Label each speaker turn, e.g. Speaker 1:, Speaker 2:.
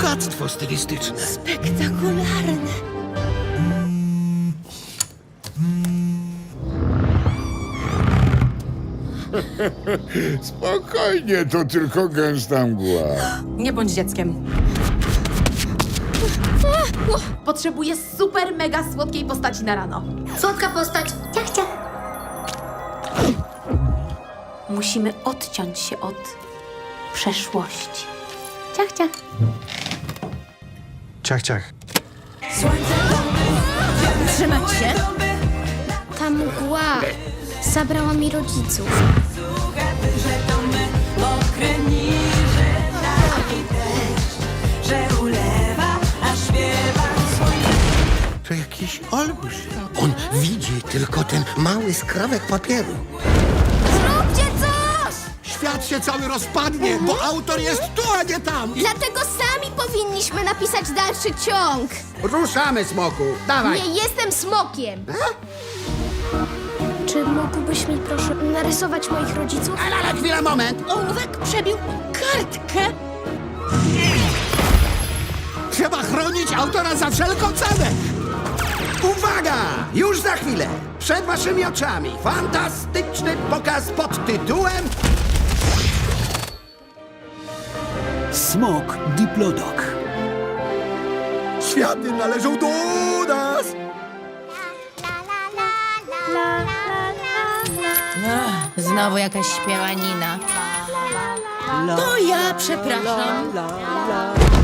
Speaker 1: bogactwo stylistyczne.
Speaker 2: Spektakularne.
Speaker 3: Spokojnie, to tylko gęsta mgła.
Speaker 2: Nie bądź dzieckiem. Potrzebuję super mega słodkiej postaci na rano.
Speaker 4: Słodka postać. Ciach, ciach.
Speaker 2: Musimy odciąć się od przeszłości. Ciach, ciach.
Speaker 1: Ciach, ciach.
Speaker 2: Trzymać się.
Speaker 4: Ta mgła zabrała mi rodziców.
Speaker 1: To jakiś olbrzym. On widzi tylko ten mały skrawek papieru.
Speaker 4: Zróbcie coś!
Speaker 1: Świat się cały rozpadnie, bo autor jest tu, a nie tam.
Speaker 4: Dlatego sami powinniśmy napisać dalszy ciąg.
Speaker 1: Ruszamy, smoku. Dawaj.
Speaker 4: Nie jestem smokiem. Czy mógłbyś mi proszę narysować moich rodziców?
Speaker 1: Ale chwila, moment.
Speaker 2: Ołówek przebił kartkę.
Speaker 1: Trzeba chronić autora za wszelką cenę. Uwaga! Już za chwilę, przed waszymi oczami, fantastyczny pokaz pod tytułem
Speaker 5: Smok Diplodok.
Speaker 1: Światy należą do nas!
Speaker 2: Znowu jakaś śpiewanina. To ja przepraszam.